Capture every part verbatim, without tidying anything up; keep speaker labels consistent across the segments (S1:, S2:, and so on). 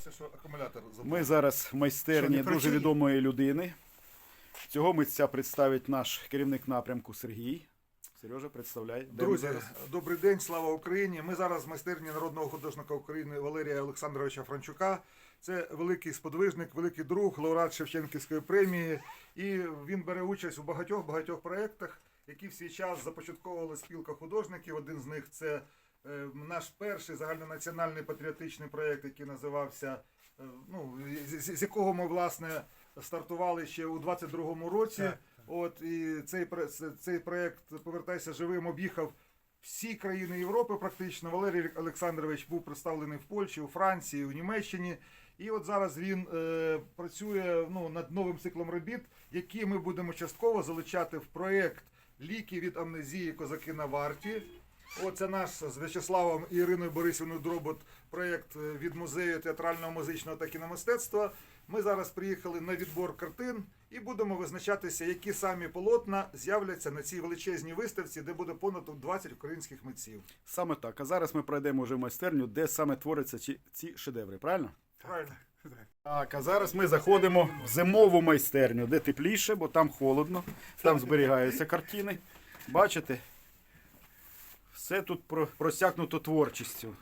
S1: Боявся, що акумулятор забув.
S2: Ми зараз в майстерні
S3: Що, не
S2: дуже
S3: працює?
S2: відомої людини. Цього митця представить наш керівник напрямку Сергій. Сережа, представляй. Де ми
S1: Друзі,
S2: зараз?
S1: добрий день, слава Україні. Ми зараз в майстерні народного художника України Валерія Олександровича Франчука. Це великий сподвижник, великий друг, лауреат Шевченківської премії. І він бере участь у багатьох-багатьох проєктах, які в свій час започатковувала спілка художників. Один з них – це е, наш перший загальнонаціональний патріотичний проєкт, який називався, е, ну, з, з якого ми, власне, стартували ще у двадцять другому році.
S3: Так.
S1: От, і цей, цей проєкт «Повертайся живим» об'їхав всі країни Європи практично. Валерій Олександрович був представлений в Польщі, у Франції, у Німеччині. І от зараз він е, працює ну, над новим циклом робіт, які ми будемо частково залучати в проєкт «Ліки від амнезії. Козаки на варті». Оце наш з В'ячеславом і Іриною Борисівною Дробот проєкт від музею театрального, музичного та кіномистецтва. Ми зараз приїхали на відбор картин і будемо визначатися, які самі полотна з'являться на цій величезній виставці, де буде понад двадцять українських митців.
S2: Саме так. А зараз ми пройдемо вже в майстерню, де саме творяться ці, ці шедеври, правильно?
S1: Правильно?
S2: Так, а зараз ми заходимо в зимову майстерню, де тепліше, бо там холодно, там зберігаються картини. Бачите? Все тут про- просякнуто творчістю.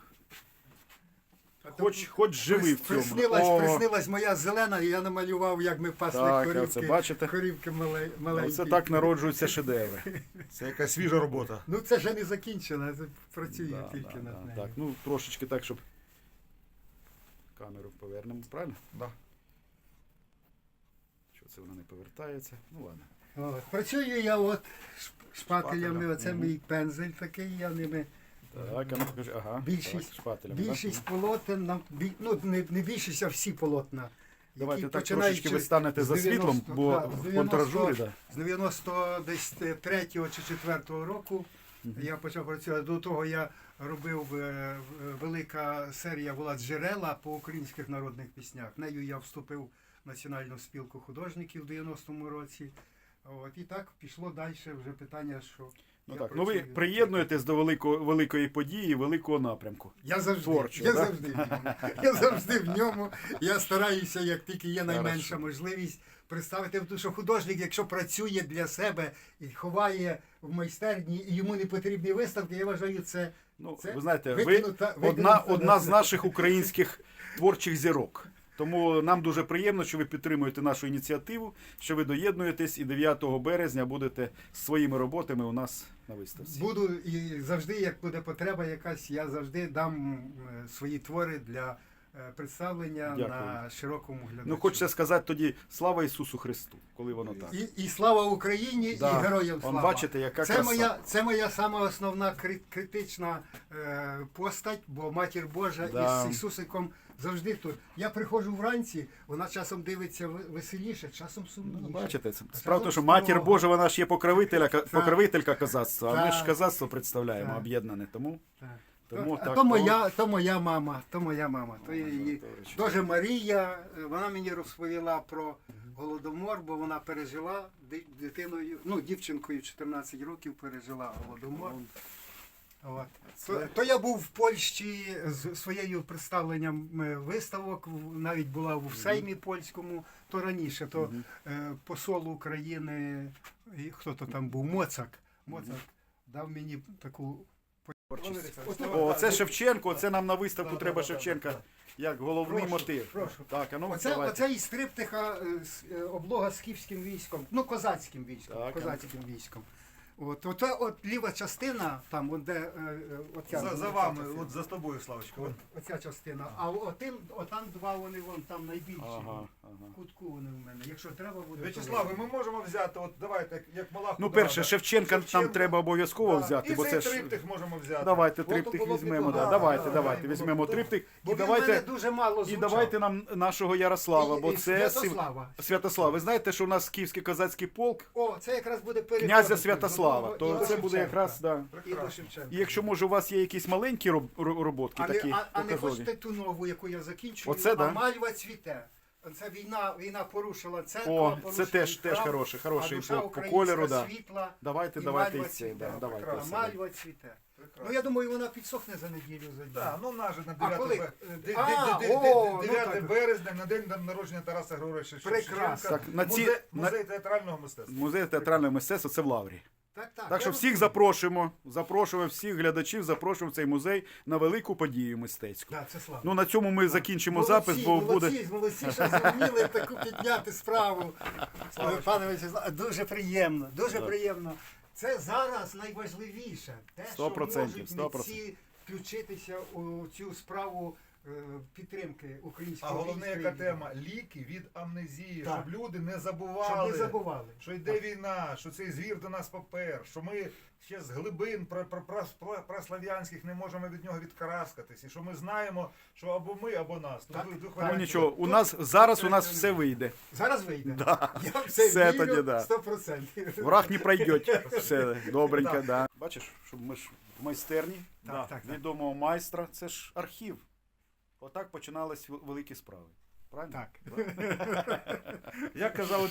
S2: Хоч, хоч живий в цьому.
S3: Приснилась,
S2: О,
S3: приснилась моя зелена, і я намалював, як ми пасли
S2: Так,
S3: корівки,
S2: оце бачите?
S3: корівки мале- маленькі.
S2: Оце так народжуються шедеври.
S1: Це якась свіжа робота.
S3: Ну це вже не закінчено, це працюю
S2: Да,
S3: тільки
S2: да,
S3: над
S2: да,
S3: нею.
S2: так, ну трошечки так, щоб камеру повернемо, правильно?
S1: Да.
S2: Що це вона не повертається? Ну ладно.
S3: От. Працюю я от шп- шпателями,
S1: Шпателем.
S3: оце мій пензель такий, я ними.
S2: Так, а ну покажи, ага.
S3: Більшість-
S2: так, шпателями, так?
S3: Більшість полотен, нам, бі- ну не, не більшість, а всі полотна.
S2: Давайте
S3: які
S2: так
S3: починаючи
S2: трошечки ви станете
S3: з
S2: за світлом,
S3: дев'яносто
S2: бо
S3: да,
S2: в
S3: з
S2: контражурі,
S3: дев'яносто
S2: да.
S3: з дев'яносто третього чи четвертого року я почав працювати. До того я робив, е, велика серія була «Джерела» по українських народних піснях. Нею я вступив в Національну спілку художників в дев'яностому році. От, і так пішло далі вже питання, що
S2: Ну,
S3: я
S2: так. ну ви
S3: працюю.
S2: приєднуєтесь до великої, великої події, великого напрямку.
S3: Я завжди,
S2: Творчо,
S3: я
S2: да?
S3: завжди в ньому. Я завжди в ньому. Я стараюся, як тільки є найменша
S2: Хорошо.
S3: можливість, представити, тому що художник, якщо працює для себе і ховає в майстерні, і йому не потрібні виставки, я вважаю, це,
S2: Ну,
S3: це
S2: ви знаєте, ви
S3: викинута-
S2: одна,
S3: викинута
S2: одна з
S3: на-
S2: наших українських творчих зірок. Тому нам дуже приємно, що ви підтримуєте нашу ініціативу, що ви доєднуєтесь і дев'ятого березня будете з своїми роботами у нас на виставці.
S3: Буду і завжди, як буде потреба якась, я завжди дам е, свої твори для е, представлення
S2: Дякую.
S3: на широкому глядачу.
S2: Ну, хочеться сказати тоді слава Ісусу Христу, коли воно так.
S3: І, і слава Україні,
S2: Да.
S3: і героям
S2: Он,
S3: слава.
S2: бачите, яка
S3: це
S2: краса.
S3: моя, це моя сама основна кри- критична е, постать, бо Матір Божа
S2: Да.
S3: із Ісусиком завжди тут. Я приходжу вранці, вона часом дивиться ви- веселіше, часом сумніше.
S2: Ну, бачите, це
S3: А
S2: справа,
S3: часом
S2: що Матір
S3: строго.
S2: Божа, вона ж є покровителька, покровителька козацтва, а ми ж
S3: Так.
S2: козацтво представляємо,
S3: Так.
S2: об'єднане. Тому,
S3: Так.
S2: тому
S3: а
S2: так.
S3: то моя, то моя мама, то моя мама. То я її.
S2: точно.
S3: Дуже Марія, е, вона мені розповіла про Голодомор, бо вона пережила ди- дитиною, ну, дівчинкою чотирнадцять років пережила Голодомор. От. То, то я був в Польщі з своєю представленням е, виставок, в- навіть була в Сеймі польському, то раніше, то е, посол України, і хто то там був, Моцак, Моцак дав мені таку
S2: Творчість.
S3: От-
S2: О, це
S3: от-
S2: Шевченко, це нам на виставку
S3: Да,
S2: треба
S3: да, да,
S2: Шевченка
S3: да, да.
S2: як головний
S3: Прошу,
S2: мотив.
S3: прошу.
S2: Так, а ну
S3: Оце,
S2: давайте.
S3: оце із триптиха е, с- е, облога скіфським військом, ну козацьким військом,
S2: Так,
S3: козацьким військом. От, от, от ліва частина, там, от де, е, е, оця,
S1: За, за
S3: оця
S1: вами,
S3: частина.
S1: от за тобою, Славочка.
S3: От, оця частина. А отим, отам два вони вон там найбільші.
S2: Ага, ага.
S3: В кутку вони в мене. Якщо треба буде.
S1: В'ячеславе, ми можемо взяти, от давайте, як, як мала
S2: Ну,
S1: художниця.
S2: перше, Шевченка нам
S1: Шевченко.
S2: треба обов'язково
S1: Да.
S2: взяти,
S1: І
S2: бо
S1: цей
S2: це ж.
S1: триптих можемо взяти.
S2: Давайте
S3: Було б-
S2: триптих
S3: було б
S2: візьмемо.
S3: непогано.
S2: Да. Давайте,
S3: Да,
S2: давайте,
S3: да,
S2: візьмемо
S3: було б
S2: триптих.
S3: Бо
S2: І
S3: він в мене
S2: давайте,
S3: дуже мало
S2: і
S3: звучав.
S2: давайте нам нашого Ярослава,
S3: І-
S2: бо
S3: і
S2: це
S3: Святослава.
S2: Сів- Святослав. Ви знаєте, що у нас Київський козацький полк
S3: О, це якраз буде переходити
S2: князя
S3: до
S2: Святослава,
S3: того і
S2: то
S3: до
S2: це буде
S3: Шевченка.
S2: якраз, да.
S3: І до Шевченка.
S2: І якщо може у вас є якісь маленькі роб- ро- роботки,
S3: А не,
S2: такі
S3: а, а не
S2: показові.
S3: хочете ту нову, яку я закінчую,
S2: Оце,
S3: а
S2: да?
S3: мальва цвіте. Це війна, війна порушила церкву,
S2: О, це
S3: порушила
S2: теж, теж
S3: храм,
S2: хороший,
S3: а
S2: хороший
S3: душа
S2: по, по
S3: українська
S2: кольору, да.
S3: світла.
S2: Давайте,
S3: І
S2: давайте
S3: мальва
S2: і це,
S3: цвіте.
S2: да, давайте.
S3: А
S2: це.
S3: мальва цвіте. Ну я думаю, вона підсохне за неділю за дві.
S1: Так, ну наже на
S3: А коли?
S1: дев'яте бе- де-
S3: А,
S1: де- де-
S3: о,
S1: де-
S3: ну
S1: дев'яте
S3: так.
S1: березня, на день народження Тараса Григоровича
S3: Прекрасно.
S1: Шевченка.
S2: Так, на ці-
S1: Музей,
S2: на-
S1: музей театрального мистецтва.
S2: Музей театрального мистецтва це в Лаврі.
S3: Так, так.
S2: Так що
S3: я
S2: всіх
S3: розумію.
S2: запрошуємо, запрошуємо всіх глядачів, запрошуємо в цей музей на велику подію мистецьку.
S3: Да, це слава.
S2: Ну на цьому ми закінчимо
S3: Молодці,
S2: запис, бо
S3: молодці,
S2: буде.
S3: молодці, що зуміли таку підняти справу. Пане Вячеславе, дуже приємно, дуже приємно. Це зараз найважливіше. Те,
S2: Сто
S3: що
S2: процентів,
S3: можуть
S2: сто процентів.
S3: митці включитися у цю справу е, підтримки
S1: А
S3: українського
S1: головне,
S3: війська
S1: яка
S3: і-
S1: тема ліки від амнезії,
S3: Так.
S1: щоб люди не
S3: Щоб
S1: забували,
S3: не забували.
S1: що йде війна, що цей звір до нас попер, що ми ще з глибин пра- пра- пра- пра- праслав'янських не можемо від нього відкараскатись, і що ми знаємо, що або ми, або нас.
S3: Так.
S1: Ну, двох
S2: Ну
S1: варіантів.
S2: нічого, у нас зараз у нас все вийде.
S3: Зараз вийде.
S2: Да.
S3: Я в це
S2: Все
S3: вірю
S2: тоді, да.
S3: сто процентів.
S2: Враг не пройде. Все добренько,
S1: Так.
S2: да. Бачиш, щоб ми ж в майстерні
S3: Так,
S2: да,
S3: так, так.
S2: відомого майстра, це ж архів. Отак починались вел- великі справи. Правильно?
S3: Так.
S1: Як казали